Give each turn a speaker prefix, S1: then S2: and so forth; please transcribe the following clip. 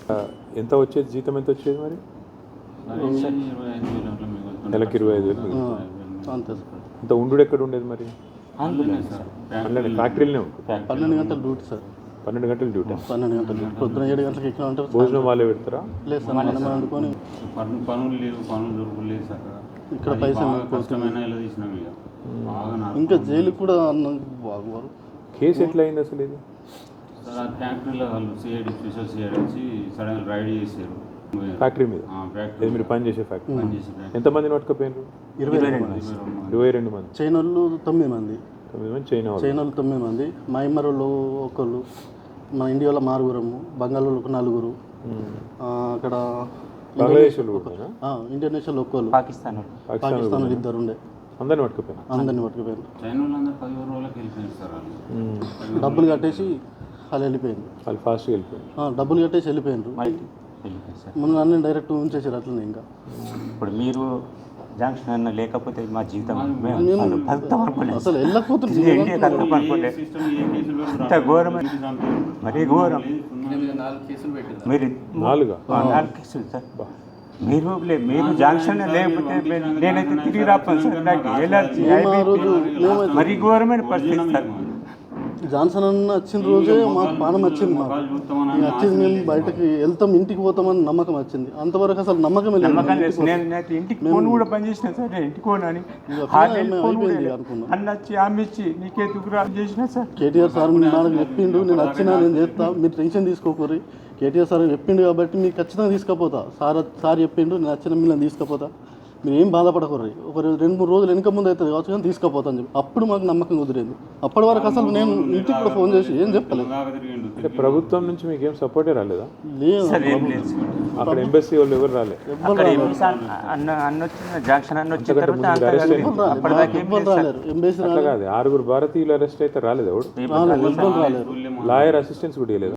S1: ఎంత వచ్చేది, జీతం ఎంత వచ్చేది మరి? నెలకి 25,000.
S2: అంతే సార్.
S1: ఇంత ఉండు ఎక్కడ ఉండేది మరి? 12 ఫ్యాక్టరీలోనే ఉంటుంది.
S2: 12 గంటల డ్యూటీ సార్.
S1: 12 గంటలు డ్యూటీ.
S2: 12 గంటల డ్యూటీ. పొద్దున 7 గంటలకు ఎక్కిన ఉంటారు.
S1: భోజనం వాళ్ళే పెడతారా?
S2: లేదు సార్, మనం వండుకొని
S3: పనులు లేవు, పనులు దొరకలేదు సార్.
S2: ఇక్కడ పైసలు
S3: కష్టమైన ఇలా తీసినాం ఇక.
S2: ఇంకా జైలు కూడా బాగువారు.
S1: కేసు ఎట్లా అయింది అసలు ఇది?
S3: సార్ ఆ ఫ్యాక్టరీలో వాళ్ళు సిఐడి, స్పెషల్ సిఐడి వచ్చి సడన్ రైడ్ చేశారు
S1: ఫ్యాక్టరీ మీద.
S3: ఫ్యాక్టరీ
S1: మీరు పని చేసే ఫ్యాక్టరీ.
S3: పనిచేసే
S1: ఎంతమందిని పట్టుకపోయినారు? 22 మంది.
S2: చైనాలు 9 మంది.
S1: 9 మంది చైనా వాళ్ళు.
S2: చైనాలు 9 మంది, మయమరులు ఒకళ్ళు, మన ఇండియాలో 4 బంగాళూరుకు 4, అక్కడ
S1: బంగ్లాదేశ్ వాళ్ళు కూడా,
S2: ఇంటర్నేషనల్ ఒక్కళ్ళు, పాకిస్తాన్ 2 ఉండే.
S1: అందరిని పట్టుకుపోయినా.
S2: అందరిని పట్టుకుపోయారు.
S3: చైనా వాళ్ళందరూ 10 రోజులకు వెళ్ళిపోయింది సార్ వాళ్ళు.
S2: డబ్బులు కట్టేసి వాళ్ళు వెళ్ళిపోయింది.
S1: వాళ్ళు ఫాస్ట్గా వెళ్ళిపోయారు.
S2: డబ్బులు కట్టేసి వెళ్ళిపోయినారు. ముందు అన్నీ డైరెక్ట్ ఉంచేసారు అట్లనే. ఇంకా
S4: ఇప్పుడు మీరు జంక్షన్ అన్న లేకపోతే మా జీవితం
S2: అసలు వెళ్ళకపోతుంది.
S4: ఘోరమైన మరీ ఘోరం. మీరు
S1: 4
S4: కేసులు సార్. మీరు జంక్షన్ లేకపోతే నేనైతే తిరిగి రాపాను సార్. నాకు ఎలర్జీ, మరీ ఘోరమైన పరిస్థితి సార్.
S2: జాన్సన్ అన్న వచ్చిన రోజే మాకు పానం వచ్చింది. మాకు వచ్చింది, మేము బయటకి వెళ్తాం, ఇంటికి పోతామని నమ్మకం వచ్చింది. అంతవరకు అసలు నమ్మకం లేదు.
S4: నేను ఇంటికి ఫోన్ కూడా పనిచేసిన సార్. నేను ఇంటికి ఫోన్ అని అన్న వచ్చి ఆమె ఇచ్చి నీకే దుగ్గురా చేసిన సార్.
S2: కేటీఆర్ సార్ నాకు చెప్పిండు, నేను వచ్చినా నేను చేస్తా, మీరు టెన్షన్ తీసుకోకూరి. కేటీఆర్ సార్ చెప్పిండు కాబట్టి మీకు ఖచ్చితంగా తీసుకుపోతా. సార్ చెప్పిండు, నేను వచ్చిన మిమ్మల్ని తీసుకుపోతా, మీరు ఏం బాధపడకూడదు. ఒక 2-3 రోజులు వెనక ముందు అవుతుంది కావచ్చు కానీ తీసుకుపోతాను చెప్పి అప్పుడు మాకు నమ్మకం కుదిరింది. అప్పటి వరకు అసలు నేను ఇంటికి కూడా ఫోన్ చేసి ఏం చెప్పలేదు.
S1: అంటే ప్రభుత్వం నుంచి మీకు ఏం సపోర్టే రాలేదా?
S2: లేదు,
S1: అక్కడ ఎంబసీ వాళ్ళు ఎవరు రాలేదు.
S2: ఎంబసీ
S1: కాదు, 6 భారతీయులు అరెస్ట్ అయితే రాలేదు. ఎవడు
S2: రాలేదు,
S1: లాయర్ అసిస్టెన్స్ కూడా లేదు.